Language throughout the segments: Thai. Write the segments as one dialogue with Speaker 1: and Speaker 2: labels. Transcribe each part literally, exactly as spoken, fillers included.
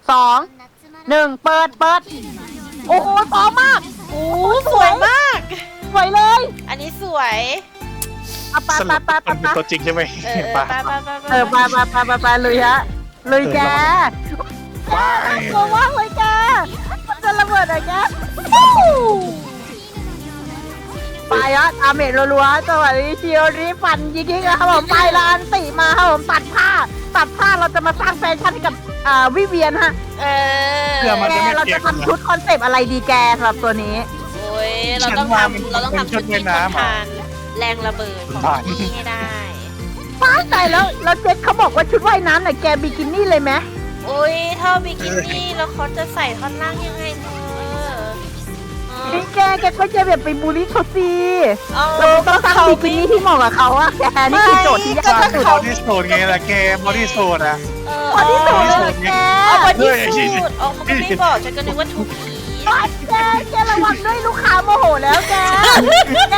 Speaker 1: สองหนึ่งเปิดเปิดโอ้โหพร้อมมาก
Speaker 2: โอ้สวยมาก
Speaker 1: สวยเลย
Speaker 2: อันนี้สวย
Speaker 1: เอาไป
Speaker 3: ส
Speaker 1: ไป
Speaker 3: รุป
Speaker 1: ไปไป
Speaker 3: มันเป็น
Speaker 1: ไป
Speaker 3: ตัวจริงใช่ไหม
Speaker 2: เออ
Speaker 3: ปะ
Speaker 2: ไปไปไป
Speaker 1: เออไปไปไปไปไปเลยฮะเลยแก
Speaker 3: ว้า
Speaker 1: น่าย กลัวมากเลยแกมันจะระเบิดอะไรแกไปฮะอาเมจรัวๆจังหวะนี้ชิโอริฟันยิงๆนะครับผมไปแล้วอันติมาครับผมตัดผ้าตัดผ้าเราจะมาสร้างแฟชั่นให้กับอ่าวิเวียนฮะ
Speaker 2: เออ
Speaker 3: เพื่อมัน
Speaker 1: แก
Speaker 3: จะไม่
Speaker 1: เรา
Speaker 3: เปีย
Speaker 1: จะ
Speaker 3: ก
Speaker 1: ทำชุดคอนเซปต์อะไรดีแกสำหรับตัวนี้
Speaker 2: โอ้ยเราต้องทำเราต้องทำชุดที่ทนทานแรงระเบิดของที่นี่ให้ได้
Speaker 1: ฟ้าใจแล้วแล้วเจ๊เขาบอกว่าชุดว่ายน้ำน่ะแกบิกินี่เลยไหม
Speaker 2: โอ้ยถ้าบิกินี่แล้วเขาจะใส่ท่อนล่างยังไงเธอ
Speaker 1: นี่แกแกก็จะแบบไปบูลลี่เขาสิ
Speaker 2: เอา
Speaker 1: เราต้องสร้างบิกินี่ที่เหมาะกับเขาอะแกนี่คือโจทย์ที่ยากที่สุด
Speaker 3: บอดี้สูทไงล่ะแกบอดี้สูทอะ
Speaker 2: เออ
Speaker 1: พอที่สุดเลยแก
Speaker 2: เอาบอดี้สูทออกมาไม่บอกฉันก็นึกว่าถูกผี
Speaker 1: แกแกระวังด้วยลูกค้าโมโหแล้วแกแก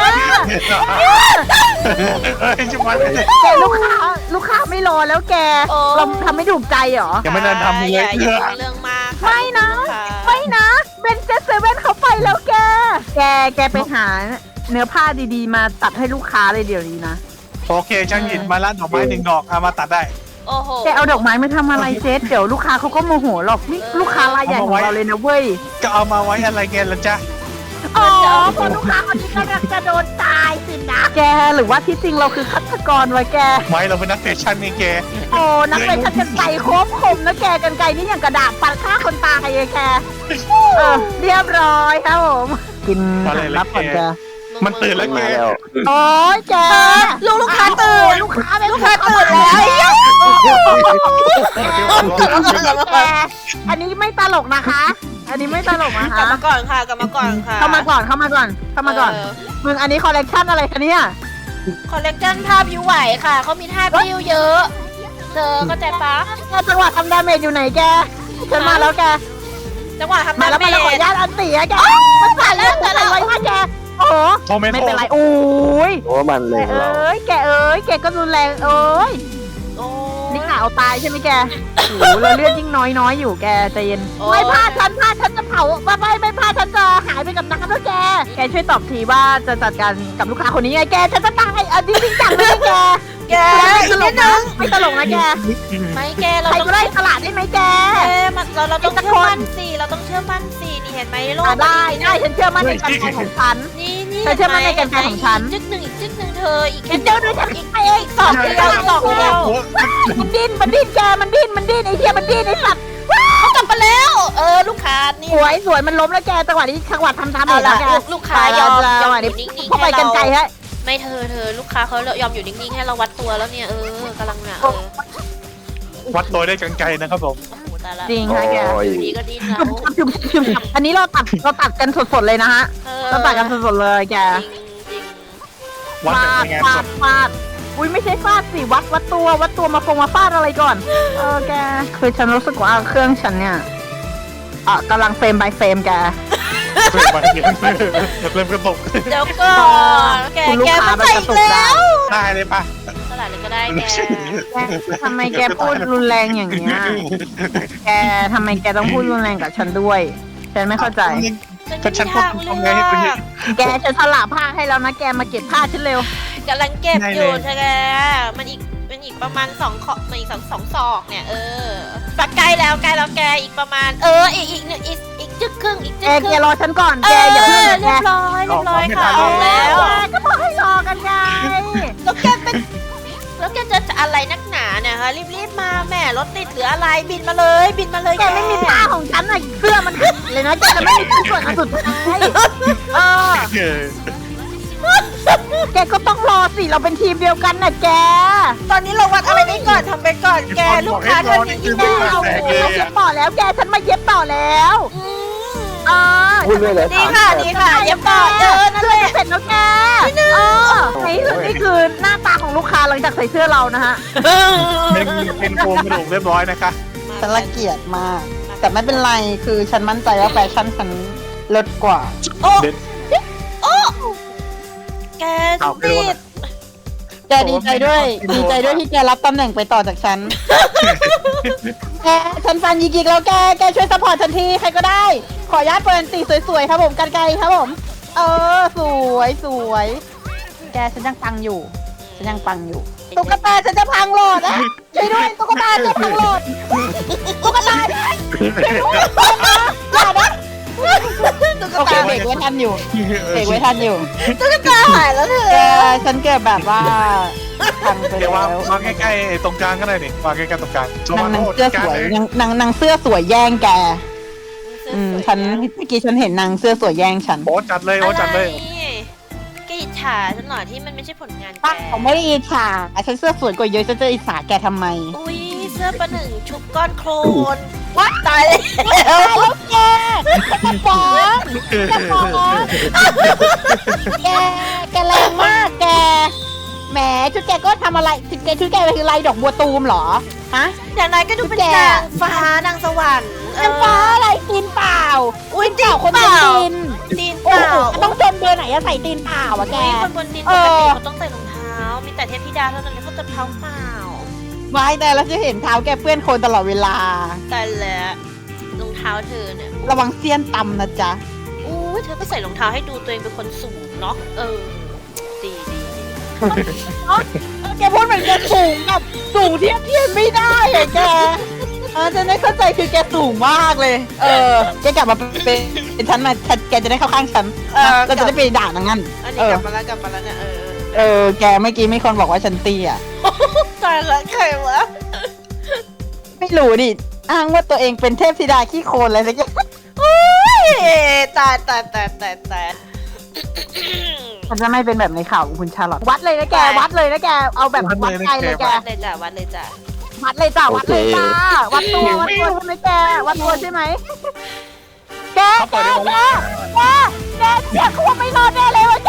Speaker 3: เฮ้ยจะมาเลย
Speaker 1: แกลูกค้าลูกค้าไม่รอแล้วแกเราทำไม่ถูกใจเหรอ
Speaker 3: ยังไม่ได้ทำเลย
Speaker 2: อย่าอย่าเรื่องมาก
Speaker 1: ไม่นะไม่นะเบนเจสเซเว่นเขาไปแล้วแก แกแกไปหาเนื้อผ้าดีๆ มาตัดให้ลูกค้าเลยเดี๋ยวนี้นะ
Speaker 3: โอเคช่างหยิบมาละดอกไม้หนึ่งดอกเอามาตัดได้
Speaker 2: โอ้โห
Speaker 1: แกเอาดอกไม้มาทำอะไรเจ๊เดี๋ยวลูกค้าเขาก็โมโหหรอกนี่ลูกค้ารายใหญ่ของเราเลยนะเว้ย
Speaker 3: ก็เอามาไว้อะไรแกล่ะจ๊ะ
Speaker 1: อ๋อพอลูกค้าคนนี้กำลังจะโดนตายสินะแกหรือว่าที่จริงเราคือฆาตกรวะแก
Speaker 3: ไม่เราเป็นนักแฟชั่นนี่แก
Speaker 1: โอ้นักเป็นชันกันไกรโคบคมนะแกกันไกรนี่อย่างกระดาษปัดฆ่าคนตายเลยแกเออเรียบร้อยครับผมกินอาหารรับก่อนแก
Speaker 3: มันตื่นแล้วแก
Speaker 1: โอ้ยแก
Speaker 2: ลูกลูกค้าตื่น
Speaker 1: ลูกค้า
Speaker 2: ลูกค้าตื่นแล้ว
Speaker 1: แกอันนี้ไม่ตลกนะคะ อันนี้ไม่ตลกนะ
Speaker 2: กลับ
Speaker 1: คะ
Speaker 2: มาก่อนค่ะกลับมาก่อนค่ะ
Speaker 1: เข้ามาก่อนเข้ามาก่อนเข้ามาก่อนมึงอันนี้คอลเลกชันอะไรคะเนี่ย
Speaker 2: คอลเลกชันท่าพิวไหวค่ะเขามีท่าพิวเยอะเธอเข้าใจปะ
Speaker 1: จังหวะทำดาเมจอยู่ไหนแกฉันมาแล้วแก
Speaker 2: จังหวะทำ
Speaker 1: มา
Speaker 2: ดา
Speaker 1: แล้ว
Speaker 2: เม
Speaker 1: มาแล้วขออ
Speaker 2: จ
Speaker 1: นุญาตอันตีอะแกมันผ่านแล้วแต่อะไรวะแกโอ้โห
Speaker 3: โมเมนต์
Speaker 1: ไม่เป็นไรโอ้ย
Speaker 4: โอ้มันเล
Speaker 1: แก
Speaker 4: ยเรา
Speaker 1: เอ้ยแกเอ้ยแกก็รุนแรงเอ้ย
Speaker 2: โอ้
Speaker 1: นี่กะเอาตายใช่ไหมแกโอ้โหเราเลือดยิ่งน้อยน้อยอยู่แกใจเย็นไม่พลาดฉันพลาดฉันจะเผาไม่ไม่ไม่พลาดฉันจะหายไปกับน้ำแล้วแกแกช่วยตอบทีว่าจะจัดการกับลูกค้าคนนี้ไงแกฉันจะตายอ่ะจริงๆจังเลยแก
Speaker 2: แก
Speaker 1: ไม่ต
Speaker 2: อีก
Speaker 1: ล
Speaker 2: นิ
Speaker 1: ก
Speaker 2: ด
Speaker 1: นะ
Speaker 2: นึง
Speaker 1: ไม่ตลกนะแก
Speaker 2: ไม่แกเรา
Speaker 1: ใคร
Speaker 2: ต้อง
Speaker 1: ก็ได้ตลาดได้ไหมแก
Speaker 2: แกมันเราเราต้อง
Speaker 1: ไอ้ตะ
Speaker 2: เชื่
Speaker 1: ค
Speaker 2: อน มั่นสิเราต้องเชื่อมั่นสินี่เห็นไหมโลก
Speaker 1: อ่ะได้ได้ฉันเชื่อมั่นในการทำของฉัน
Speaker 2: นี่นี่
Speaker 1: เธอเชื่อมั่นในการทำของฉัน
Speaker 2: จึ๊กหนึ่งอีกจึ๊กหนึ่งเธออีก
Speaker 1: ฉั
Speaker 2: แค่
Speaker 1: นเจอด้วยฉันอีกเอง
Speaker 2: สองเดียวสองเดียว
Speaker 1: มันดิ้นมันดิ้นแกมันดิ้นมันดิ้นไอ้เหี้ยมันดิ้นไอ้สัตว์
Speaker 2: เขากลับมาแล้ว เออลูกค้านี่
Speaker 1: สวยสวยมันล้มแล้วแกจังหวะนี้จังหวะทำทำ
Speaker 2: เอา
Speaker 1: แล้
Speaker 2: ละ
Speaker 1: วแก
Speaker 2: ลูกลูกค้ายอมย
Speaker 1: จั
Speaker 2: อง
Speaker 1: ห
Speaker 2: ม
Speaker 1: วะ
Speaker 2: อ
Speaker 1: นี้
Speaker 2: ยู่นิ่งๆ
Speaker 1: เข้าไป
Speaker 2: ให้
Speaker 1: กันไกล
Speaker 2: เรา
Speaker 1: ฮะ
Speaker 2: ไม่เธอเธอลูกค้าเขายอมอยู่นิ่งๆให้เราวัดตัวแล้วเนี่ยเออกำลังเนี่ยเออ
Speaker 3: วัดตัวได้กันไกลนะครับผม
Speaker 2: โอ้โหตายละ
Speaker 1: จริงฮะแก
Speaker 4: โอ้ย
Speaker 2: อยู่ดีก็ดิ้นแล้ว
Speaker 1: จุบจุบจุบจุบอันนี้เราตัดเราตัดกันสดๆเลยนะฮะ
Speaker 2: เออ
Speaker 1: เราตัดกันสดๆเลยแก
Speaker 2: จริงจริง
Speaker 3: วัด
Speaker 1: ฟา
Speaker 3: แบบ
Speaker 1: ด
Speaker 3: ในงาน
Speaker 1: ฟา
Speaker 3: ส
Speaker 1: ด
Speaker 3: ด
Speaker 1: ฟาดอุ้ยไม่ใช่ฟาดสิวัดวัดตัววัดตัวมาฟงมาฟาดอะไรก่อน เออแกคือฉันรู้สึกว่าเครื่องฉันเนี่ยอ่ะกำลังเฟรม by เฟรมแก
Speaker 3: เริ่มมาเริ่มกระตก
Speaker 2: เดี๋ยวก่อนแก
Speaker 1: คุณลูก
Speaker 2: แก
Speaker 1: ค้า
Speaker 2: มาใส่
Speaker 1: มันกระตุก
Speaker 2: แล้ว
Speaker 3: ได้เลยปะ
Speaker 2: เท่าไหร่เลยก็ได้แก
Speaker 1: แกทำไมแกพูดรุนแรงอย่างนี้ยแกทำไมแกต้องพูดรุนแรงกับฉันด้วย ฉันไม่เข้าใจ
Speaker 3: ก็ฉันพูดตรงไงให้เป็น
Speaker 1: แกจะสละผ้าให้แล้วนะแกมาเก็บผ้าฉันเร็ว
Speaker 2: กำลังเก็บ
Speaker 3: ได้
Speaker 2: อ
Speaker 3: เลย
Speaker 2: ยู่ใช่ไหมมันอีกมันอีกประมาณสองขอมันอีกสองสองศอกเนี่ยเออปะใกล้แล้วใกล้แล้วแกอีกประมาณ เอออีกอีกหนึ่งอีกอีกจึ๊กครึ่งอีก
Speaker 1: แก
Speaker 2: จึ๊กค
Speaker 1: แก
Speaker 2: รึ่ง
Speaker 1: รอฉันก่อน
Speaker 2: เอ
Speaker 1: แก
Speaker 2: อ
Speaker 1: อย่าเพิ่ง
Speaker 2: เรี
Speaker 1: นะแก
Speaker 2: ยบร้อยเรียบร้อยค่ะออกแล้ว
Speaker 1: แกก็บอกให้รอกันไง
Speaker 2: แล้วแกเป็นแล้วแกจะอะไรนักหนาเนี่ยฮะรีบๆมาแม่รถติดหรืออะไรบินมาเลย บินมาเลย
Speaker 1: แกไม่มีผ้าของฉันอ่ะเสื้อมันหักเลยนะแกจะไม่มีชิ้นส่วนอันสุดท้ายเออ
Speaker 3: เออ
Speaker 1: แกก็ต้องรอสิเราเป็นทีมเดียวกันนะแก
Speaker 2: ตอนนี้เราวัดอะไรนี้ก่อนทำไปก่อนแกลูกค้าเธอนี่ยิ่ง
Speaker 1: แก
Speaker 2: ไม่
Speaker 1: เอา
Speaker 2: เอา
Speaker 1: แกมาเย็บต่อแล้วแกฉันมาเย็บต่อแล้ว
Speaker 2: อืม
Speaker 1: เออ
Speaker 4: พูดเลยเลย
Speaker 2: ดีค่ะดีค่ะเย็บก่อนเออนั่น
Speaker 1: เสื้
Speaker 2: แห
Speaker 1: อ
Speaker 2: ละ
Speaker 1: จะเสร็จแล้วแกเออในที่สุดนี่คือหน้าตาของลูกค้าหลังจากใส่เสื้อเรานะฮะ
Speaker 3: เป็นเป็นโครงกระดูกเรียบร้อยนะคะ
Speaker 1: ฉันละเกียดมาก แต่ไม่เป็นไรคือฉันมั่นใจว่าแฟชั่นฉันเลิศกว่า
Speaker 2: โอ้
Speaker 3: เด็ด
Speaker 2: โอ้แก
Speaker 3: เอาไปโด
Speaker 2: ติ
Speaker 3: น
Speaker 2: ด
Speaker 1: แกดีใจด้วยดีใจด้วยที่แกรับตำแหน่งไปต่อจากฉันแกฉันฟันยิกิกแล้วแกแกช่วยซัพพอร์ตฉันทีใครก็ได้ ขออนุญาตเปิดตีสวยๆครับผมกันไกลครับผม เออสวยสวยแกฉันยังปังอยู่ฉันยังปังอยู่ตุ๊กตาฉันจะพังโหลดนะช่วยด้วยตุ๊กตาจะพังโหลดตุ๊กตาช่วยด้วยอย่านะตุ๊กตาเบรกไว้ทันอยู่เบรกไว้ทันอยู่
Speaker 2: ตุ๊กตาหายแล้วเธอ
Speaker 1: แกฉันเกิดแบบว่าพังไป
Speaker 3: เดี๋ยว
Speaker 1: แล้ว
Speaker 3: างวางใกล้ๆไอ้ตรงกลางก็ได้นี่วางใกล้ๆตรงกลาง
Speaker 1: นางนางเสื้อสวยนางนางนางเสื้อสวยแย่งแกอืมฉันเมื่อกี้ฉันเห็นนางเสื้อสวยแย่งฉัน
Speaker 3: โอ้จัดเลยโอ้จัดเลย
Speaker 2: แกอิจฉาฉันเหรอที่มันไม่ใช่ผลงานแก
Speaker 1: ป้าผมไม่ได้อิจฉาฉันเสื้อสวยกว่าเยอะฉันจะอิจฉาแกทำไม
Speaker 2: อุ้ยเสื้อประหนึ่งชุบก้อนโคลนว้าตายเลย
Speaker 1: แล้วแกจะฟ้องจะฟ้องแกแกแรงมากแกแหมชุดแกก็ทำอะไรชุดแกชุดแกคือลายดอกบัวตูมเหรอฮะ
Speaker 2: อย่างไรก็ดูเป็นนางฟ้านางสวรรค์
Speaker 1: นางฟ้าอะไรตีนเปล่า
Speaker 2: อุ้ย
Speaker 1: เปล่าคนบนตีน
Speaker 2: ตีนเป
Speaker 1: โอ้
Speaker 2: ล่า
Speaker 1: โหต้องจนเบอร์ไหนอะใส่ตีนเปล่าอะแก
Speaker 2: อุ้ยคนบนตีนปกติเขาต้องใส่รองเท้า มีแต่เทพธิดาเท่านั้นที่เขาจะเท้าเปล่า
Speaker 1: ไม่แต่เราจะเห็นเท้าแกเปื้อนโคลนตลอดเวลา
Speaker 2: แต่แล้วรองเท้าเธอเนี่ย
Speaker 1: ระวังเสี้ยนตำนะจ๊ะ
Speaker 2: อู้ยเธอก็ใส่รองเท้าให้ดูตัวเองเป็นคนสูงเนาะเออดีดีดี
Speaker 1: แกพูดเหมือนแกสูงแบบสูงเทียบเทียมไม่ได้อะแกเออจะได้เข้าใจคือแกสูงมากเลย เออแกกลับมาเป็นเป็นฉันมาแกจะได้เข้าข้างฉันเราจะได้ไปด่านางงั้น
Speaker 2: อัน
Speaker 1: เอ
Speaker 2: นี้ก
Speaker 1: อ
Speaker 2: ลับมาแล้วกลับมาแล้วเนี่ยเออ
Speaker 1: เออแกเมื่อกี้มีคนบอกว่าฉันเตี้ย
Speaker 2: ตายละใครวะ
Speaker 1: ไม่รู้ดิอ้างว่าตัวเองเป็นเทพธิดาขี้โคลนอะไรสักอย่าง
Speaker 2: ตายตายตายตายตาย
Speaker 1: ฉันจะไม่เป็นแบบในข่าวของคุณชาลอตวัดเลยนะแกวัดเลยนะแกเอาแบบวัดใจเลยแก
Speaker 2: วัดเลยจ้ะวัดเลยจ้ะ
Speaker 1: วัดเลยจ้าวัดเลยจ้าวัดตัววัดตัวใช่ไหมแกวัดตัวใช่ไหมแกแกแกแกแกเสียควไม่รอดแน่เลยวะแก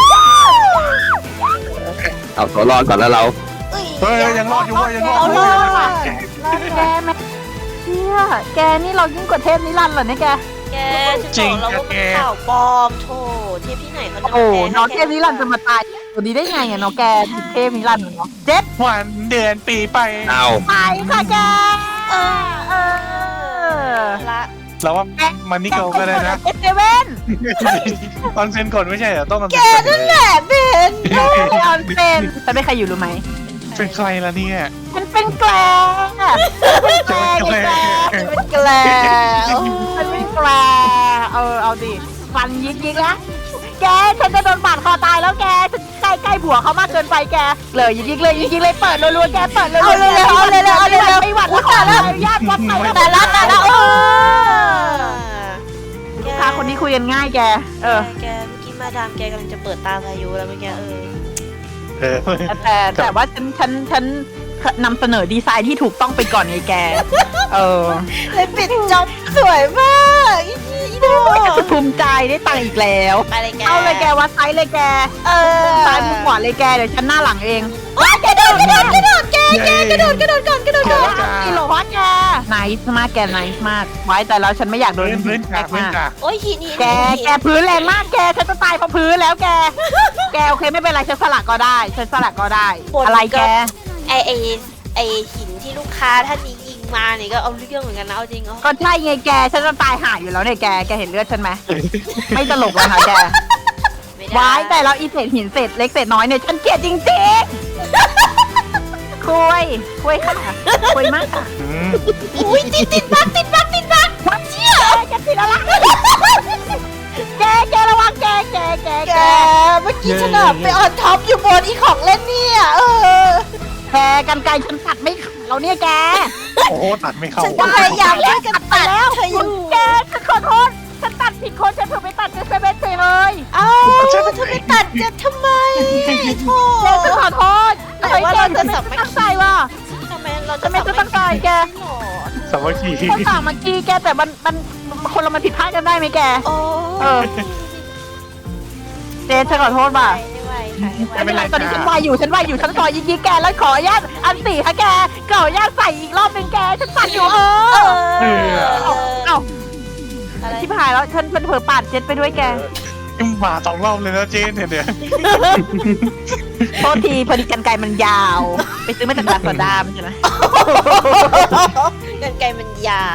Speaker 4: เอาตัวรอดก่อนแล้วเรา
Speaker 3: เฮ้ยยังรอดอยู่เว้ยยังรอด
Speaker 1: เอา
Speaker 3: อยู่
Speaker 1: เล
Speaker 3: เว้ย
Speaker 1: ยแกแม่เชี่ยแกนี่เรายิ่งกว่าเทพนิรันดร์เหรอเนี่ยแก
Speaker 2: แกฉันบอกแล้วว่ามันข่าวปลอมโถเทพที่ไหนเขาจะ
Speaker 1: โอ้น้องเทพนิรันดร์จะมาตายตัวนี้ได้ไงอ่ะน้องแกติดเทพนิรันดร์เนาะเจ็ด
Speaker 3: วันเดือนปีไป
Speaker 4: เอา
Speaker 1: ไปค่ะแกเออเออ
Speaker 2: ละ
Speaker 3: เราว่ามันนี่เกิลก็ได้นะ
Speaker 1: เอสเซเว่น
Speaker 3: ตอนเซ็นก่อนไม่ใช่เหรอต้องตอน
Speaker 2: แก
Speaker 3: เซ็นก่อน
Speaker 2: นั่นแหละเบน
Speaker 1: ออนเซนจะไม่ใครอยู่รู้ไหม
Speaker 3: เป็นใครล่ะเนี่ย
Speaker 1: มันเป็นแกลงอะเป็นแกลงไงแกลง
Speaker 2: เป็นแกลว
Speaker 1: มันเป็นแกลงเออเอาดิฟันยิกยิกนะแกฉันจะโดนบาดคอตายแล้วแกฉันใกล้ใกล้ผัวเขามากเกินไปแกเลยยิกยิกเลยยิกยิกเลยเปิดรัวๆแกเปิดรัวๆเอาเลยเอาเลยเอาเลยไม่หวัดแล้วแล้วญาติวัดไปแต่ละแต่ละเออลูกค้าคนนี้คุยกันง่ายแกเออ
Speaker 2: แกเมื่อกี้มาดามแกกำลังจะเปิดตาพายุแล้วเมื่อกี้เออ
Speaker 3: เออ
Speaker 1: แต่แต่ว่าฉันฉันฉันนำเสนอดีไซน์ที่ถูกต้องไปก่อนไงแก เออ
Speaker 2: เลยปิดจ็อบสวยมากอีอีโด
Speaker 1: จะภูมิใจได้ตังค์อีกแล้ว
Speaker 2: ไปเลยแก
Speaker 1: เอาเลยแกวัดไซส์เลยแก
Speaker 2: เออ
Speaker 1: ซ้ายมุมขวาเลยแกเดี๋ยวฉันหน้าหลังเอง
Speaker 2: ว้ายกระโดดกระโดดกระโดดแกแกกระโดดกระโดดก่อนกระโดดก่อน
Speaker 1: กิโลวัตแกไนส์มากแกไนส์มากไว้แต่แล้วฉันไม่อยากโดน
Speaker 3: พื้นพื้น
Speaker 1: แต
Speaker 3: กาก พื้น
Speaker 1: มาก
Speaker 3: กาก
Speaker 2: โอ้ยหินหิน
Speaker 1: แกแกพื้นแรงมากแกฉันจะตายเพราะพื้นแล้วแก แกโอเคไม่เป็นไรฉันสลักก็ได้ฉันสลักก็ได้ อะไรแก
Speaker 2: ไอไอไอหินที่ลูกค้าท่านนี้ยิงมาเนี่ยก็เอาเรื่องเหมือนกันนะเอาจริงเอา
Speaker 1: ก็ใช่ไงแกฉันจะตายหายอยู่แล้วเนี่ยแกแกเห็นเลือดฉันไหมไม่ตลกแล้วค่ะแก
Speaker 2: ไม่ได้
Speaker 1: ไว้แต่เราอีเศษหินเศษเล็กเศษน้อยเนี่ยฉันเกลียดจริงๆ คุยคุยค่ะคุยมากค่ะ
Speaker 3: อืม
Speaker 2: อุ้ยติดติดบักติดบักติดบัก
Speaker 1: วัดเชี่ยแกติดอะไรแกแกระวังแกแกแก
Speaker 2: แก
Speaker 1: แก
Speaker 2: เมื่อกี้ฉันอะไปออนท็อปอยู่บนอีของเล่นเนี่ยเออ
Speaker 1: แกกันไกลฉันตัดไม่ขาดเราเนี่ยแก
Speaker 3: โอ้โหตัดไม่เข้า
Speaker 2: ฉันก็พยายามช่วยกันตัด
Speaker 1: แล้ว
Speaker 2: เธออยู่
Speaker 1: แกฉันขอโทษฉันตัดผิดคนฉันเพิ่งไปตัดเจสเบนไปเลย
Speaker 2: เอ้าเธอไปตัดเจ็บทำไมโธ่
Speaker 1: แกฉันขอโทษ
Speaker 2: แต่ว่าเราจะสับ
Speaker 1: ไม่ตั้งใจว่ะ
Speaker 2: ทำไมเราจะ
Speaker 1: ทำไมจะตั้งใจแก
Speaker 2: หรอ
Speaker 3: สามัคคี
Speaker 1: คนต่างเมื่อกี้แกแต่มันมันคนเรามันผิดพลาดกันได้ไหมแก
Speaker 2: โอ้
Speaker 1: เออ เจนฉันขอโทษว่ะ
Speaker 2: ไม่ไหวค่ะไม่
Speaker 1: ไม่เป็น
Speaker 2: ไหว
Speaker 1: ไรตอนนี้ฉันวายอยู่ฉันวายอยู่ฉันซอยยิงๆแกแล้วขออนุญาตอันสี่ค่ะแกขออนุญาตใส่อีกรอบหนึ่งแกฉันสั่นอยู่เอ
Speaker 2: เอ
Speaker 1: อ
Speaker 2: อ
Speaker 1: เอาเอา
Speaker 2: อะไร
Speaker 1: ที่ผ่านแล้วฉันเผลอปาดเจ็ดไปด้วยแก
Speaker 3: มาสองรอบเลยนะเจนเนี่ยเดี๋ยว
Speaker 1: แโทษทีพอดีกันไกรมันยาว ไปซื้อมาจากลาซาด้าใช่ไหม
Speaker 2: กันไกรมันยาว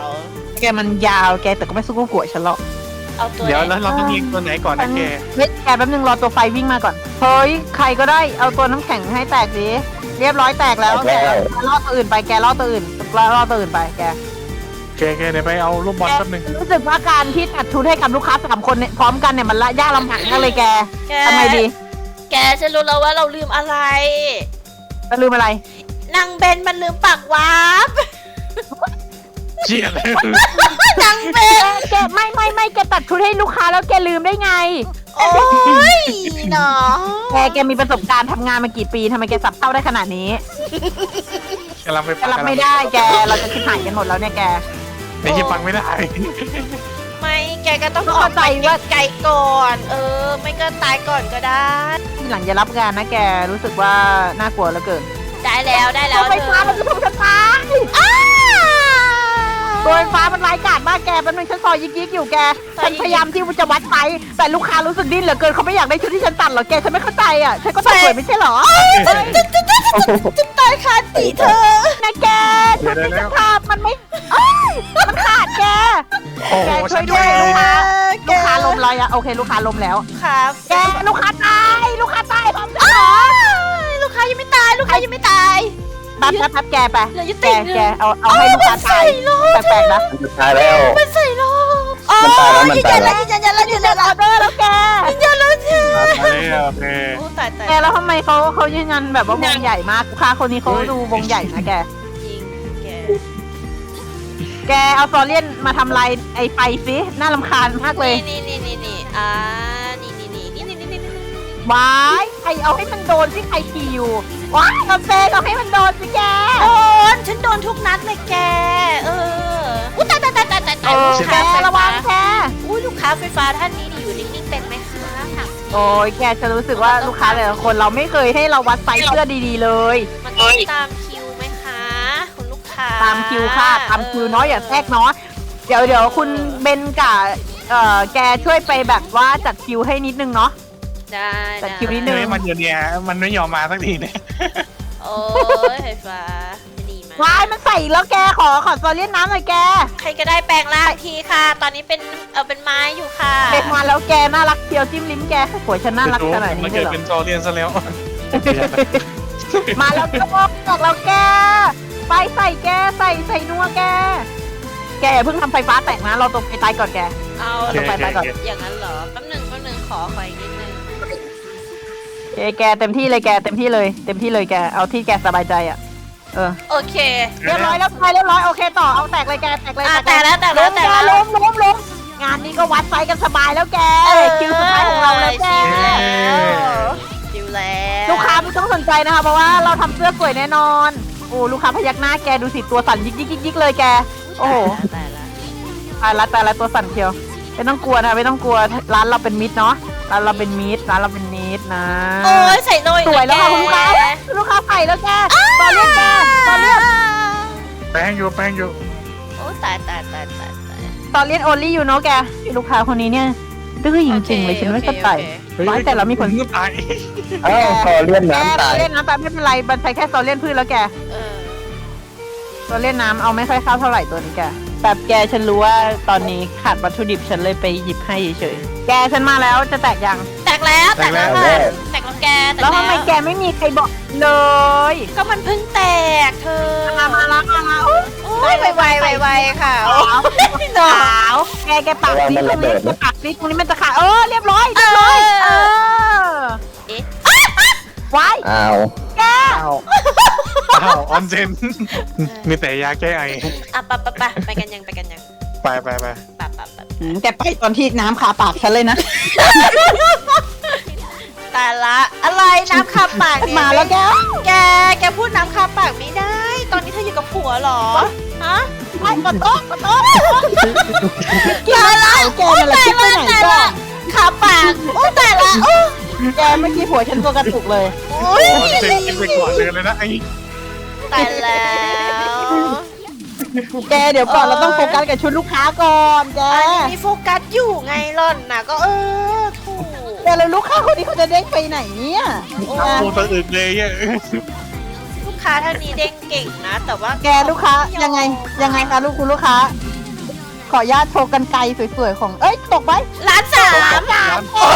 Speaker 1: แกมันยาวแกแต่ก็ไม่สู้กับหัวฉันหรอก
Speaker 2: เอาตัว
Speaker 3: เดี๋ยว
Speaker 2: ไหน
Speaker 3: แล้วเราต้องยิงตัวไหนก่อนนะแก
Speaker 1: เฮ้ยแกแป๊บนึงรอตัวไฟวิ่งมาก่อนเฮ้ยใครก็ได้เอาตัวน้ำแข็งให้แตกสิเรียบร้อยแตกแล้วแกล่อตัวอื่นไปแกล่อตัวอื่นล่อตัวอื่นไปแก
Speaker 3: แกแกเดี๋ยวไปเอาลูกบอลแป๊บนึง
Speaker 1: รู้สึกว่าการที่ตัดชุดให้กับลูกค้าสามคนเนี่ยพร้อมกันเนี่ยมันละยากลำบากมากเลยแก
Speaker 2: แก
Speaker 1: ทำไมดี
Speaker 2: แกฉันรู้แล้วว่าเราลืมอะไร
Speaker 1: จะลืมอะไร
Speaker 2: นางเบนมันลืมปากวาร์ป
Speaker 3: เชี่ยเลย
Speaker 2: นางเบน
Speaker 1: แกไม่ไม่ไม่แกตัดชุดให้ลูกค้าแล้วแกลืมได้ไง
Speaker 2: โอ้ยเนาะ
Speaker 1: แกแกมีประสบการณ์ทำงานมากี่ปีทำไมแกสับเท่าได้ขนาดนี้
Speaker 3: กำลังไป
Speaker 1: แกรับไม่ได้แกเราจะคิดหายกันหมดแล้วเนี่ยแก
Speaker 3: ไอ้ยี่ฟังไม่ได้
Speaker 2: ไม่แกก็ต้อง
Speaker 1: ก็
Speaker 2: ออ
Speaker 1: เข้าก ใจ
Speaker 2: ไป
Speaker 1: ว่า
Speaker 2: ไกลๆก่อน เออ ไม่ก็ตายก่อนก็ได้
Speaker 1: ทีหลังอย่ารับงานนะแกรู้สึกว่าน่ากลัวเหลือเกิน
Speaker 2: ได้แล้วได้แล้ว
Speaker 1: ไฟฟ้ามันจะถูกฉันตาย
Speaker 2: อ้า
Speaker 1: ตัวไฟฟ้ามันร้ายกาจมากแกแป๊บนึงฉันซอยยิกยิกๆอยู่แกฉันพยายามที่จะวัดไฟแต่ลูกค้ารู้สึกดิ้นเหลือเกินเขาไม่อยากได้ชุดที่ฉันตัดหรอกแกฉันไม่เข้าใจอ่ะฉันก็ตัดสวยไม่ใช่เหรอ
Speaker 2: จะตายคาตีเธอ
Speaker 1: นะแกชุดที่ฉันทำมันไม่เอ้ยมันขาดแก
Speaker 3: โอ้โห
Speaker 1: แกช่
Speaker 3: ฉั
Speaker 1: วย
Speaker 3: น
Speaker 1: ด้วย
Speaker 3: ด้
Speaker 1: ลู
Speaker 3: วย
Speaker 1: กค้าลูกค้าล้มแล้วอะโอเคลูกค้าล้มแล้ว
Speaker 2: ครับ
Speaker 1: แกลูกค้าตายลูกค้าตายพร้อมกัน
Speaker 2: อ้า
Speaker 1: เหรอ
Speaker 2: ลูกค้ายังไม่ตาย ลูกค้ายังไม่ตาย
Speaker 1: แป๊บแป๊บแป๊บแกไป
Speaker 2: เหลืออยู่
Speaker 1: แก
Speaker 2: ติ่งหนึ่ง
Speaker 1: แกเอาเอาให้ลูกค้าตายแปลกๆนะ
Speaker 4: มันจะตายแล้ว
Speaker 2: มันใส่โลกอ๋อ
Speaker 4: มันตายแล้วมัน
Speaker 2: ยืน
Speaker 4: ตา
Speaker 2: ยั
Speaker 4: ย
Speaker 2: น
Speaker 4: แล้
Speaker 2: แล้ว วยืนยันแล้วยืนยัน
Speaker 1: อ
Speaker 2: แล้
Speaker 1: อ
Speaker 2: ว
Speaker 1: เดอร์แล้วแก
Speaker 2: ยืนยันแล้วเธอ
Speaker 3: เอ้ยโอเค
Speaker 2: โอ้ตายตาย
Speaker 1: แกแล้วทำไมเขาเขายืนยันแบบว่าวงใหญ่มากลูกค้าคนนี้เขาดูวงใหญ่นะแก
Speaker 2: จริงแก
Speaker 1: แกเอาซอเลียนมาทำลายไอ้ไฟซิน่ารำคาญมากเลย
Speaker 2: นี่นี่นี่นี่อ่านี่นี่นี่นี่นี่นี่นี่
Speaker 1: ว้ายใครเอาให้มันโดนสิใครขี่อยู่ว้ายกาแฟเอาให้มันโดนสิแก
Speaker 2: โดนฉันโดนทุกนัดเลยแก เอออุ้ยตายตายตายตายตายตาย
Speaker 1: เออ
Speaker 2: ลูก
Speaker 1: แก
Speaker 2: ค้าไฟ
Speaker 1: ระวั
Speaker 2: ฟ้าง
Speaker 1: แก
Speaker 2: อุ้ยลูกค้าไฟฟ้าท่านนี้นี่อยู่นิ่งๆเป็นไหมคะถาม
Speaker 1: โอ้ยแกจะรู้สึกว่าลูกค้าแต่ละคนเราไม่เคยให้เราวัดไซส์เสื้อดีๆเลย
Speaker 2: มันต้องตามคิวไหมคะคุณลูกค้า
Speaker 1: ตามคิวค่ะตามคิวเนาะอย่าแทรกเนาะเดี๋ยวเดี๋ยวคุณเบนกับเอ่อแกช่วยไปแบบว่าจัดคิวให้นิดนึงเนาะ
Speaker 2: ได้
Speaker 1: แต่คิวนิดนึ
Speaker 3: เฮ้ยมันเดี๋ยวนี้มันไม่ยอมมาสักทีเนี่ย
Speaker 2: โอ้ยไฟฟ้าดีมาก
Speaker 1: ว้ายมันใส่อีกแล้วแกขอขอโซเลียนน้ำหน่อยแก
Speaker 2: ใครก็ได้แปลงร่างทีค่ะ ตอนนี้เป็นเออเป็นไม้อยู่ค่ะ
Speaker 1: เด็กมาแล้วแกน่ารักเดียวจิ้มลิ้มแกสวยฉันน่ารักขนาด
Speaker 3: มั
Speaker 1: นี้
Speaker 3: น
Speaker 1: เล
Speaker 3: เกิ
Speaker 1: ย
Speaker 3: ด
Speaker 1: เหรอ
Speaker 3: เป็นโซเลียนซะแล้ว
Speaker 1: มาแล้วก็บอกแล้วแกไปใส่แกใส่ใส่นัวแก แกอย่าเพิ่งทำไฟฟ้าแตกนะเราตกไปตายก่อนแก
Speaker 2: เอา
Speaker 1: ลงไปไปก่อน
Speaker 2: อย่างนั้นเหรอแป๊บหนึ่งแป๊บหนึ่งขอขออีกนิดนึง
Speaker 1: แกแกเต็มที่เลยแกเต็มที่เลยเต็มที่เลยแกเอาที่แกสบายใจอ่ะเออ
Speaker 2: โอเค
Speaker 1: เรียบร้อยแล้วไปเรียบร้อยโอเคต่อเอาแตกเลยแกแตกเลย
Speaker 2: อ่ะ
Speaker 1: เย
Speaker 2: แตกแล้วแตกแล้วแตกแล้ว
Speaker 1: ล้มล้มล้มงานนี้ก็วัดไซส์กันสบายแล้วแกคิวสุดท้ายของเราแล้วแก
Speaker 2: ชิวแล้ว
Speaker 1: ลูกค้าไม่ต้องสนใจนะคะเพราะว่าเราทำเสื้อสวยแน่นอนโอ้ลูกค้าพยักหน้าแกดูสิตัวสั่นยิกยิกยิกยิกเลยแกโอ้โห
Speaker 2: ตายละ
Speaker 1: ตายละตายละตัวสั่นเชียวไม่ต้องกลัวนะไม่ต้องกลัวร้านเราเป็นมิตรเนาะร้านเราเป็นมิตรร้านเราเป็นมิตรนะ
Speaker 2: โอ้ยใส่โรย
Speaker 1: สวยแล้วค่ะคุณลูกค้าลูกค้าใส่แล้วแกตอนเรียกแกตอนเรียก
Speaker 3: แป้งอยู่แป้งอยู่
Speaker 2: โอ้ตายตายตายตายตาย
Speaker 1: ตอนเรียกโอลี่อยู่เนาะแกลูกค้าคนนี้เนี่ยดื้อจริงๆเลยฉันไม่เข้าใจ ร้อยแต่เรามีผล
Speaker 3: ก็ตาย
Speaker 4: เอ้าคอเลื่อน
Speaker 1: แก
Speaker 4: น้ำตาย
Speaker 1: เล่นน้ำตาไม่เป็นไรมันใช้แค่โซเลียนพืชแล้วแก
Speaker 2: เออ
Speaker 1: โซเลียนน้ำเอาไม่ค่อยเข้าเท่าไหร่ตัวนี้แกแบบแกฉันรู้ว่าตอนนี้ขาดวัตถุดิบฉันเลยไปหยิบให้เฉยๆแกฉันมาแล้วจะแตกยัง
Speaker 2: แตกแล้วแตกแล้วค่ะแตกแล้วแกแตก
Speaker 1: แล้วทำไมแกไม่มีใครบอกเลย
Speaker 2: ก็มันเพิ่งแตกเธอ
Speaker 1: มามาแล้วมาแล้ว
Speaker 2: โอ้ยไวไวไวไวค่ะ
Speaker 1: สาวแกแกปากซิตรงนี้แกปากซิตรงนี้มันจะขาดเออเรียบร้อยเรียบร้อยเออ
Speaker 2: เอ๊ะ
Speaker 1: ไว้
Speaker 4: อ้าว
Speaker 1: แก
Speaker 3: อ้าวอ้าวออนเซนมีแต่ยาแก้ไอ
Speaker 2: อ่ะปะปะปะไปกันยังไปกันยัง
Speaker 3: ไปไปไป
Speaker 2: ปะปะปะ
Speaker 1: แกไปตอนที่น้ำคาปากฉันเลยนะ
Speaker 2: แต่ละอะไรน้ำคาปากเนี่ย
Speaker 1: มาแล้วแก
Speaker 2: แกแกพูดน้ำคาปากไม่ได้ ตอนนี้เธออยู่กับผัวเหรอฮะ
Speaker 1: ไอ้กดโต๊ะกดโต๊ะ
Speaker 2: ตายละ
Speaker 1: แกนั่นแหละคิดไปไหนก่อน
Speaker 2: คาปากโอ้แต่ละโอ้
Speaker 1: แกเมื่อกี้ผัวฉันตัวกระตุกเลย
Speaker 2: โอ้ย
Speaker 3: ออนเซนกินไปก่อนเลยเลยนะไอ้
Speaker 2: ตายแล้ว
Speaker 1: แกเดี๋ยวก่อนเราต้องโฟกัสกับชุดลูกค้าก่อนแก
Speaker 2: อันนี้มีโฟกัสอยู่ไงล่อนนะก็เออถูก
Speaker 1: แต่แล้วลูกค้าคนนี้เขาจะเด้งไปไหนเนี่ย
Speaker 3: เอาตัวตัวอื่นเลยเนี่ย
Speaker 2: ลูกค้าท่านนี้เด้งเก่งนะ แต่ว่า
Speaker 1: แกลูกค้ายังไงยังไงคะลูกคุณลูกค้า ขออนุญาตโชว์กันไกลสวยๆของเอ้ยตกไป
Speaker 2: ล้านสาม
Speaker 1: โอ้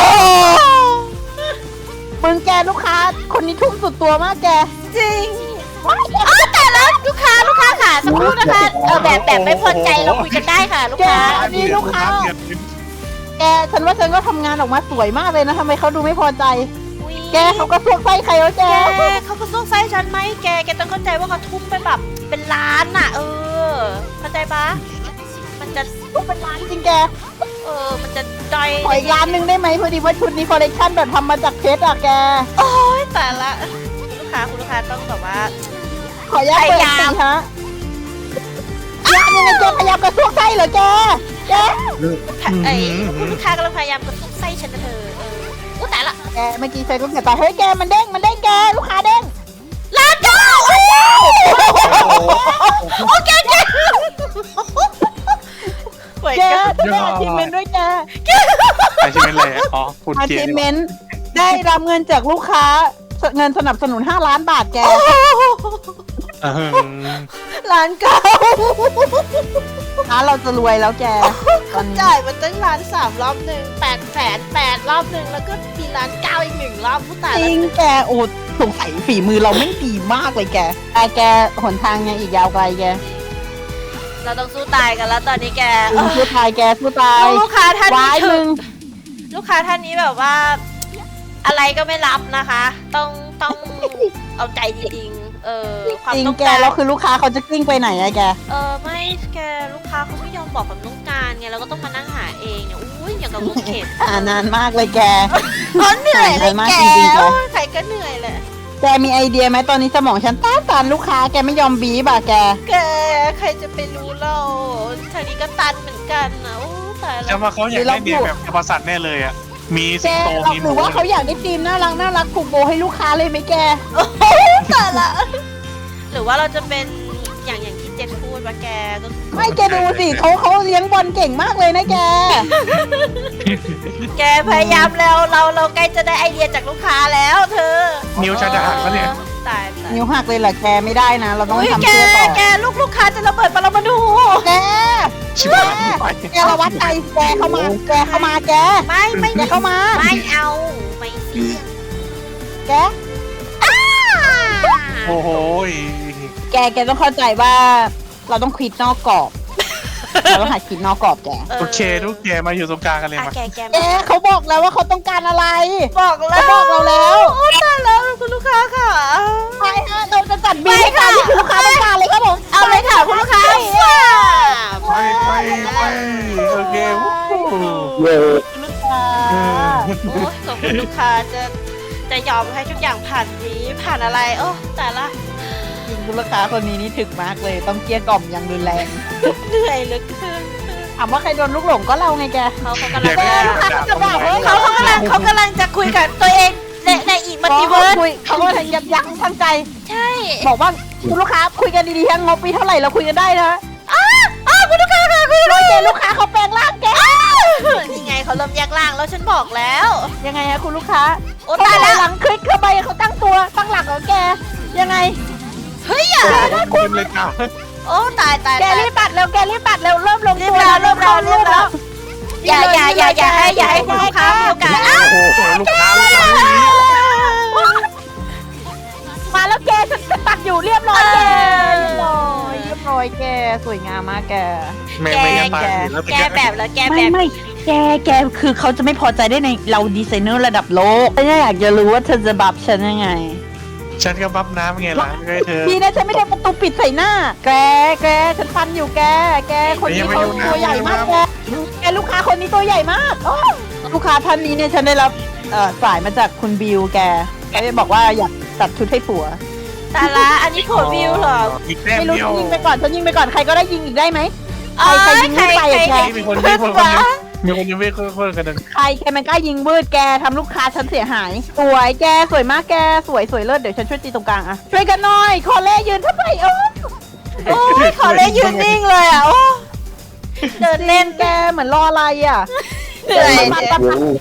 Speaker 1: มึงแกลูกค้าคนนี้ทุ่มสุดตัวมากแก
Speaker 2: จริงอ๋อแต่แล้วลูกค้าลูกค้าค่ะสักครู่นะคะเออแบบแบบไม่พอใจเราคุยกันได้ค่ะ ลูกค้า
Speaker 1: อันนี้ลูกค้า แกฉันว่าฉันก็ทำงานออกมาสวยมากเลยนะทำไมเขาดูไม่พอใจ
Speaker 2: อุ๊ย
Speaker 1: แกเขาก็สวกไส้ใครวะแก
Speaker 2: แกเขาก็ต้องไส้ฉันไหมแกแกต้องเข้าใจว่าเขาทุ่มไปแบบเป็นล้านน่ะ เออเข้าใจปะมันจะ
Speaker 1: ทุกเป็นร้านจริงแก
Speaker 2: เออมันจะดอย
Speaker 1: ขออีกร้านหนึ่งได้ไหมพอดีว่าชุดนี้คอลเลคชันแบบทำมาจากเพชรอะแก
Speaker 2: โอ้ยแต่ละคุณลูกค้าคุณลูกค้าต้องแบบว่า
Speaker 1: ขออนุญาตเปิด
Speaker 2: พยายาม
Speaker 1: สิฮะยามยังไงแกพยายามกระซวกไส้เหรอแกแก
Speaker 2: ไอ้คุณลูกค้ากำลังพยายามกระตุ้นไส้ฉันนะเธอเอออู้แต่ละ
Speaker 1: แกเมื่อกี้ใช้ลูกเสียตาเฮ้ยแกมันเด้งมันเด้งแกลูกค้าเด้ง
Speaker 2: ล้านเก้าโอ้โอเคแกไหว
Speaker 1: แก
Speaker 2: กัน
Speaker 1: ได้อาชีพเมนด้วยแก
Speaker 3: ไอชิเมนเลยอ๋อคุณ
Speaker 1: อา
Speaker 3: เกีย
Speaker 1: ชี
Speaker 3: ร์
Speaker 1: พเมนได้รับเงินจากลูกค้าเงินสนับสนุนห้าล้านบาทแก
Speaker 3: เออ
Speaker 2: ล้านเก้า
Speaker 1: ร้านเราจะรวยแล้วแก
Speaker 2: เขาจ่ายมาตั้งล้านสามรอบหนึ่งแปดแสนแปดรอบหนึ่งแล้วก็มีล้านเก้าอีกหนึ่งรอบผู้ตาย
Speaker 1: จ
Speaker 2: แล้ว
Speaker 1: ริงแกโอ้สงสัยฝีมือเราไม่ดีมากเลยแกไอแกหนทางยังอีกยาวไกลแก
Speaker 2: เราต้องสู้ตายกันแล้วตอนนี้แก
Speaker 1: สู้สู้ตายแกสู้ตาย
Speaker 2: ลูกค้าท่าน
Speaker 1: วา
Speaker 2: นี้
Speaker 1: ยมึง
Speaker 2: ลูกค้าท่านนี้แบบว่า อะไรก็ไม่รับนะคะ ต้องต้องเอาใจจริงๆเออความ
Speaker 1: จริง
Speaker 2: ต้อง
Speaker 1: แก
Speaker 2: การ
Speaker 1: แล้วคือลูกค้าเขาจะกลิ้งไปไหนอะแก
Speaker 2: เออไม่แกลูกค้าเขาไม่ยอมบอกความต้องการไงเราก็ต้องมานั่งหาเองเนี่ยอุ้ยอย่างกับลูกเข็ม
Speaker 1: อ่านานมากเลยแก
Speaker 2: อ๋อเหนื่อยเลย
Speaker 1: มาก
Speaker 2: แก
Speaker 1: จริงๆแก
Speaker 2: โอ้ยใครก็เหนื่อยแหละ
Speaker 1: แกมีไอเดียไหมตอนนี้สมองฉันต้านทานลูกค้าแกไม่ยอมบีบอะแก
Speaker 2: แกใครจะไปรู้เราทางนี้ก็ตันเหมือนกันนะโอ้ตายแล้
Speaker 3: จะ
Speaker 2: ว
Speaker 3: มาเขาอยากได้เมียแบบประสัตว์แน่เลยอ่ะมี
Speaker 1: แก
Speaker 3: สิงโต
Speaker 1: เรา
Speaker 3: มีห
Speaker 1: หรื
Speaker 3: มู
Speaker 1: อว่าเขาอยากได้ทีมน่ารักน่ารักผูกโบให้ลูกค้าเลยไหมแก
Speaker 2: ตายละหรือว่าเราจะเป็นอย่างอย่างที่เจนพูดว่าแกก็คือ
Speaker 1: ไม่แกดูสิเขาเขาเลี้ยงบอลเก่งมากเลยนะแก
Speaker 2: แกพยายามแล้วเราเราใกล้จะได้ไอเดียจากลูกค้าแล้วเธอ
Speaker 3: นิ้วชาจะหักแล้วเนี่ย
Speaker 2: ตายตาย
Speaker 1: นิ้วหักเลยเหรอแกไม่ได้นะ เราต้อง
Speaker 2: อุ้ย
Speaker 1: ทำ
Speaker 2: แก
Speaker 1: เพื่อต่อ
Speaker 2: แกลูกลูกค้าจะระเบิดปรมาณู
Speaker 1: แก
Speaker 3: ชิบหายไป
Speaker 1: แกระวัดใจแกเข้ามาแกเข้ามาแก
Speaker 2: ไม่ไม่
Speaker 1: แกเข้ามา
Speaker 2: ไม่เอาไม่เสี่ยง
Speaker 1: แก
Speaker 3: โอ้โห
Speaker 1: แกแกต้องเข้าใจว่า เราต้องคิดนอกกรอบ เราต้องหัดคิดนอกกรอบแก
Speaker 3: โอเคทุกแกมาอยู่ตรงกลางกันเลย
Speaker 2: อ่ะ
Speaker 3: มา
Speaker 2: แกแก
Speaker 1: แกเขาบอกแล้วว่าเขาต้องการอะไร
Speaker 2: บอกแล้ว
Speaker 1: เขาบอกเราแล้ว
Speaker 2: โอ้ตายแล้วคุณลูกค้าค่ะ
Speaker 1: ใช่ฮะเราจะจัดบีให้การที่คุณลูกค้าต้องการเลยครับผม
Speaker 2: เอาเลยค่ะคุณลูกค้า
Speaker 3: ไปไปไปโอเควู้ฮู้
Speaker 4: เย้
Speaker 1: ลูกค้า
Speaker 2: โอ้ยขอบคุณลูกค้าจะจะยอมให้ทุกอย่างผ่านนี้ผ่านอะไรโอ้แต่ละ
Speaker 1: จริงคุณลูกค้าคนนี้นี่ถึกมากเลย ต้องเกลี้ยกล่อมอย่างรุนแรง
Speaker 2: เหนื่อยเหลือเกิน
Speaker 1: ถามว่าใครโดนลูกหลงก็เราไงแก
Speaker 2: เขาเขากำลัง
Speaker 1: แกลูกค้าจะบอกว่า
Speaker 2: เขาเขากำลังเขากำลังจะคุยกับตัวเองในในอีกมัลติเวิร์ส
Speaker 1: คุยเขาก็ทางยับยั้งทางใจ
Speaker 2: ใช่
Speaker 1: บอกว่าคุณลูกค้าคุยกันดีๆทั้งงบปีเท่าไหร่เราคุยกันได้นะ
Speaker 2: อ้าอ้าคุณลูกค้าค่ะคุณ
Speaker 1: ร้อยแกลูกค้าเขาแปลงร่างแก
Speaker 2: นี่ไงเขาเริ่มแยกล่างแล้วฉันบอกแล้ว
Speaker 1: ยังไงฮะคุณลูกค้า
Speaker 2: โอ้
Speaker 1: เขา
Speaker 2: ตาย
Speaker 1: ถ
Speaker 2: แล้
Speaker 1: อยว หลังคลิกเข้าไปเขาตั้งตัวตั้งหลักเหรอแก ยังไง
Speaker 2: เฮ้ยอย่า
Speaker 3: เต็มเลยจ้า
Speaker 2: โอ้ตายตาย
Speaker 1: แกรีบตัดเร็วแกรีบตัดเร็วเริ่มลง
Speaker 2: รีบ
Speaker 1: ตัว
Speaker 2: แล้วรี
Speaker 1: เริ่
Speaker 2: บ
Speaker 1: ม
Speaker 2: แล้
Speaker 1: เข้าว
Speaker 2: รี
Speaker 1: รู
Speaker 2: บ
Speaker 1: ป
Speaker 2: แล้
Speaker 1: แล้ว ว
Speaker 2: อย่าอย่าอย่าอย่าให้อย่าให้คุณลูกค้ามีโอกาสอ้า
Speaker 3: โอ้โหลูกค้าลูกค้า
Speaker 1: มาแล้วแกฉันจะตัดอยู่เรียบร้อยแกเรียบร้อยเรียบร้อยแกสวยงามมากแก
Speaker 3: แม่ไม่ยังตายแล้ว
Speaker 2: แกแบบแล้วแกแบ
Speaker 1: ไม่
Speaker 2: บ
Speaker 1: ไม่แกแกคือเขาจะไม่พอใจได้ในเราดีไซเนอร์ระดับโลกฉันอยากจะรู้ว่าเธอจะบับฉันยังไง
Speaker 3: ฉันก็บับน้ำไงล่ะให้เธอ
Speaker 1: ดีนะฉันไม่ได้ประตูปิดใส่หน้า แกแกฉันฟันอยู่แก แกคนนี้เขาตัวใหญ่มากแกแกลูกค้าคนนี้ตัวใหญ่มากโอ้ลูกค้าท่านนี้เนี่ยฉันได้รับเอ่อสายมาจากคุณบิวแกแกจะบอกว่าอยากตัดชุดให้ผัว
Speaker 2: ตาละอันนี้ผัววิวเหรอ
Speaker 3: อีกแต้ม
Speaker 1: ไม่รู้
Speaker 3: เดียว
Speaker 1: ยิงไปก่อนฉันยิงไปก่อนใครก็ได้ยิงอีกได้ไหม ใครใครยิงไม่ไปอะแก
Speaker 3: มีคนมีคนคนนึงมีคนยังไม่คนคนกันนึง
Speaker 1: ใครแกมันกล้ายิงมืดแกทำลูกค้าฉันเสียหาย สวยแกสวยมากแกสวยสวยเลิศเดี๋ยวฉันช่วยตีตรงกลางอะช่วยกันหน่อยคอเล่ยืนทำไมเออ
Speaker 2: โอ้ยขอเลยยืนนิ่งเลยอ่ะโอ้เดิน
Speaker 1: เล่
Speaker 2: เล่
Speaker 1: น
Speaker 2: น
Speaker 1: แกเหมือนรออะไรอะ
Speaker 2: เหนื่อย
Speaker 1: มา
Speaker 2: เนี่ย
Speaker 1: ตัด
Speaker 4: เย้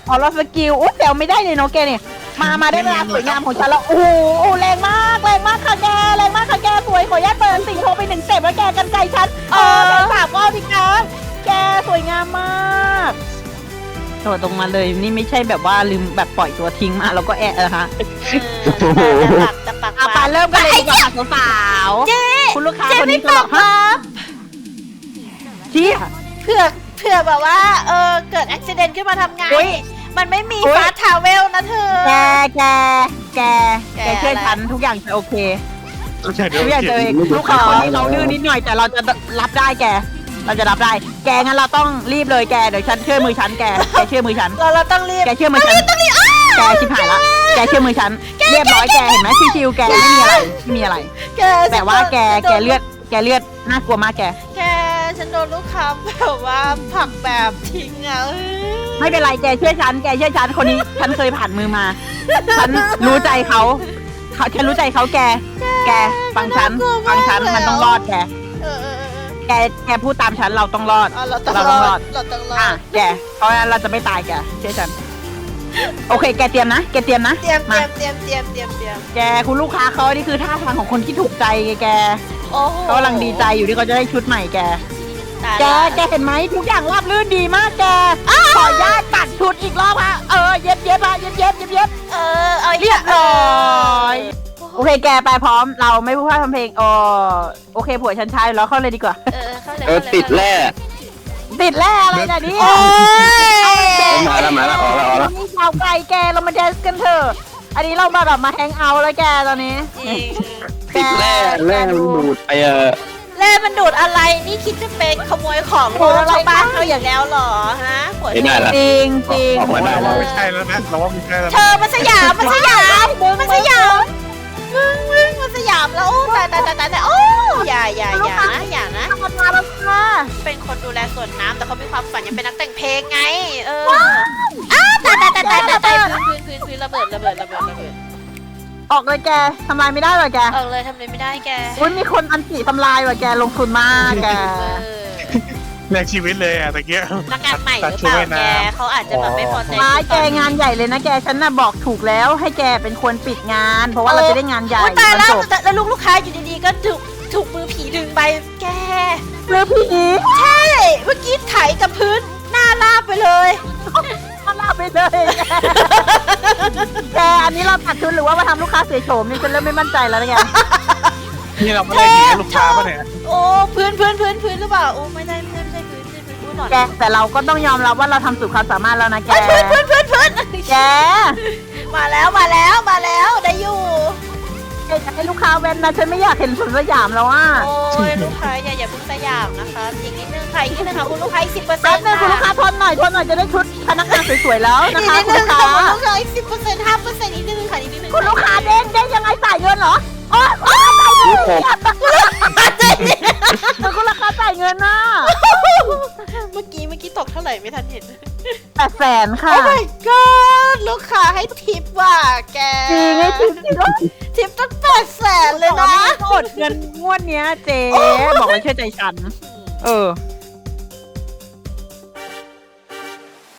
Speaker 1: อเราสกิลอุ๊ยแซวไม่ได้เลยเนาะแกเนี่ยมามาได้เวลาสวยงามของฉันแล้วโอ้โหแรงมากแรงมากค่ะแกแรงมากค่ะแกสวยขออนุญาตเปิดสิ่งโทรไปหนึ่งเต็ปแล้วแกกันไกลฉันเออแกสามก็พี่คะแกสวยงามมากโดดตรงมาเลยนี่ไม่ใช่แบบว่าลืมแบบปล่อยตัวทิ้งมาแล้วก็แอะนะคะ
Speaker 2: เออแต่ปากแต่ปาก
Speaker 1: เอาไปเริ่มกันเลยดีกว่าค่ะสาวๆ
Speaker 2: เจ๊
Speaker 1: คุณลูกค้า
Speaker 2: เจ๊
Speaker 1: คน
Speaker 2: ไม่
Speaker 1: นี้
Speaker 2: ป
Speaker 1: ก็
Speaker 2: รับ
Speaker 1: ฮะ
Speaker 2: ครับ
Speaker 1: เจี๊ย
Speaker 2: เผื่อเผื่อแบบว่าเออเกิดอุบิเหตุขึ้นมาทำไง
Speaker 1: อุ๊ย
Speaker 2: มันไม่มี
Speaker 1: อุ๊ย
Speaker 2: ฟาสทาวเวลนะเธอ
Speaker 1: แกแกแก
Speaker 2: แก
Speaker 1: แกเชื่อ
Speaker 2: อะไร
Speaker 1: ฉันทุกอย่างจะโอเค
Speaker 3: โอเคเดี๋ยว
Speaker 1: ทุกอย่างจะโอเคลูกค้าคนนี้เขาดื้อนิดหน่อยแต่เราจะรับได้แก เราจะรับได้ แกงั้นเราต้องรีบเลยแกเดี๋ยวฉันเชื่อมือฉันแกแกเชื่อมือฉัน
Speaker 2: เราเราต้องรีบ
Speaker 1: แกเชื่อมือฉันแกชิบหายละแกเชื่อมือฉันเรียบร้อยแกเห็นไหมชิวๆแกไม่มีอะไรไม่มีอะไร
Speaker 2: แก
Speaker 1: แต่ว่าแก
Speaker 2: ฉันโดน
Speaker 1: แกเลือดแกเลือดน่ากลัวมากแก
Speaker 2: แกฉันโดนลูกค้าแบบว่าผลักแบบทิ้งอ่ะเออ
Speaker 1: ไม่เป็นไรแกเชื่อฉันแกเชื่อฉันคนนี้ฉันเคยผ่านมือมา ฉันรู้ใจเขาเขาฉันรู้ใจเขาแก แกฟังฉันฟังฉันมันต้องรอดแก
Speaker 2: เออเออเออ
Speaker 1: แกแกพูดตามฉันเราต้องรอด
Speaker 2: เอาเราต้อง
Speaker 1: เรา
Speaker 2: ร
Speaker 1: ต้องร
Speaker 2: อ
Speaker 1: อ
Speaker 2: ด
Speaker 1: ด
Speaker 2: เราต้องรอ
Speaker 1: อ่ะ
Speaker 2: ด
Speaker 1: แกเพราะฉะนั้นเราจะไม่ตายแกเชื่อฉันโอเค แกเตรียมนะแกเตรียมนะ
Speaker 2: เตรียมเต
Speaker 1: มา
Speaker 2: รียมเตรียมเตรียมเตรียมเตรียม
Speaker 1: แกคุณลูกค้าเขานี่คือท่าทางของคนที่ถูกใจไงแก
Speaker 2: โอ้โห
Speaker 1: เขากำลังดีใจอยู่ที่เขาจะได้ชุดใหม่แก
Speaker 2: ตาย
Speaker 1: แก
Speaker 2: ละ
Speaker 1: แกเห็นไหมทุกอย่างราบรื่นดีมากแกขออนุญาตตัดชุดอีกรอบฮะเออเย็บเย็บฮะเย็บเย็บเย็บเย็บ
Speaker 2: เออเอาอีก
Speaker 1: เรียบร้อย
Speaker 2: เออ
Speaker 1: โอเคแกไปพร้อมเราไม่พูดพร่ำทำเพลงอ๋อโอเคผัวฉันใช้แล้วเข้าเลยดีกว่า
Speaker 2: เออเข้าเลย
Speaker 4: เออ
Speaker 2: เข้าเลย
Speaker 4: ติดแร่
Speaker 1: ติดแร่อะไรนะเนี่ย
Speaker 2: โอ้ย
Speaker 4: มาแล้วมาแล้วออกแล้วออกแล้ว
Speaker 1: นี่ชาวไกลแกเรามาแดนซ์กันเถอะอันนี้เรามาแบบมาแฮงเอาท์แล้วแกตอนนี้
Speaker 2: จริง
Speaker 4: ติดแร่แร่มันดูดไปเออ
Speaker 2: แร่มันดูดอะไรนี่คิดจะเป็นขโมยของโลชาวบ้านเขาอย่างแล้วเหรอฮะหัว
Speaker 4: ไม่
Speaker 2: เธ
Speaker 4: ได้
Speaker 2: อ
Speaker 4: ละ
Speaker 1: จริงจริง
Speaker 4: ออกมาได้
Speaker 3: เราว่าไม่ใช่แล้วนะเราว่าไม่ใช่แล้ว
Speaker 2: เธ
Speaker 3: นะ
Speaker 2: อมันสยามมันสยามมันสยามมึงมึงมันสยามแล้วโอ้ตายตายตายตายตายโอ้อย่าอย่าอย่านะอย่านะ
Speaker 1: ทำมาแล้วค่ะ
Speaker 2: เป็นคนดูแลสวนน้ำแต่เขามีความฝันอยากเป็นนักแต่งเพลงไง เอออ้าวตายตายตายตายตายตายพื้นพื้นพื้นพื้นระเบิดระเบิดระเบิดระเบิด
Speaker 1: ออกเลยแกทำลายไม่ได้หรอแก
Speaker 2: เออเลยทำอะไรไม่ได้แก
Speaker 1: อุ้ยมีคนอันตีทำลายว่ะแกลงทุนมากแก
Speaker 2: เออ
Speaker 3: แลกชีวิตเลยอะตะเกีย
Speaker 2: นักงานใหม่หรือเปล่าแกเขาอาจจะแบบไม่พอใจ
Speaker 1: ร้ายแกงานใหญ่เลยนะแกฉันน่ะบอกถูกแล้วให้แกเป็นคนปิดงาน เพราะว่าเราจะได้งานใหญ่
Speaker 2: โอ้ตาย
Speaker 1: มัน
Speaker 2: แล้ว
Speaker 1: จบ
Speaker 2: แล้วลูกลูกค้าอยู่ดีๆก็ถูกถูกมือผีดึงไปแก
Speaker 1: หรือพี่อี
Speaker 2: ใช่เมื่อกี้ไถกับพื้นหน้าลาบไปเลย
Speaker 1: มาลาไปเลยแกอันนี้เราตัดทุนหรือว่ามาทำลูกค้าเสียโฉมนี่ฉันเริ่มไม่มั่นใจแล้วนะแก
Speaker 3: นี่เราไม่ได้ดีลูกค้าป่ะเนี่ย
Speaker 2: โอ้พื้นพื้นพื้นพื้นหรือเปล่าโอ้ไม่ได้ไม่ได้ไม่ใช่พื้นไม่ใช่พื้นพื้นหน่อย
Speaker 1: แกแต่เราก็ต้องยอมรับว่าเราทำสุดความสามารถแล้วนะแก
Speaker 2: พื้นพื้นพื้นพื้น
Speaker 1: แก
Speaker 2: มาแล้วมาแล้วมาแล้วได้อยู่
Speaker 1: แกอยากให้ลูกค้าเว้นนะฉันไม่อยากเห็นสวนสยามแล้วอ่ะ
Speaker 2: โอ้ยลูกค้าอย่าอย่าเพิ่งสยามนะคะอีกนิดนึงค่ะอีกนิดนึงค่ะคุณลูกค้าอีกสิบเปอร์เซ็
Speaker 1: แป๊
Speaker 2: น
Speaker 1: บ
Speaker 2: ต์
Speaker 1: นึงคุณลูกค้าทนหน่อยทนหน่อยจะได้ชุดพนักงานสวยๆแล้ว
Speaker 2: อี
Speaker 1: นะ
Speaker 2: ก
Speaker 1: คะ
Speaker 2: นิด
Speaker 1: คุณ
Speaker 2: นึ
Speaker 1: ลู
Speaker 2: ง
Speaker 1: ก
Speaker 2: ค่ะ
Speaker 1: ค้า
Speaker 2: คุณลูกค้าอีกสิบเปอร์เซ็นต์ห้าเปอร์เซ็นต์อีกนิดนึงค่ะอีกนิดนึง
Speaker 1: คุณลูกค้าเด้งเด้งยังไงจ่ายเงินเหรอโอ๊ยโอ๊ยจ่ายเงินคุณลูกค้าจ่ายเงินน่ะ
Speaker 2: เมื่อกี้เมื่อกี้ตกเท่าไหร่ไม่ทันเห็น
Speaker 1: แปดแสนค่ะ
Speaker 2: โอ้ my god ลูกค้าให้ทิปว่ะแก
Speaker 1: จริงไงจริงจริงด้วย
Speaker 2: ทิปตั้งแปดแสนเลย
Speaker 1: บอก
Speaker 2: นะ
Speaker 1: ว่าไม่อดเงินงวดเนี้ยเจ๊บอกเลยเชื่อใจฉัน เออ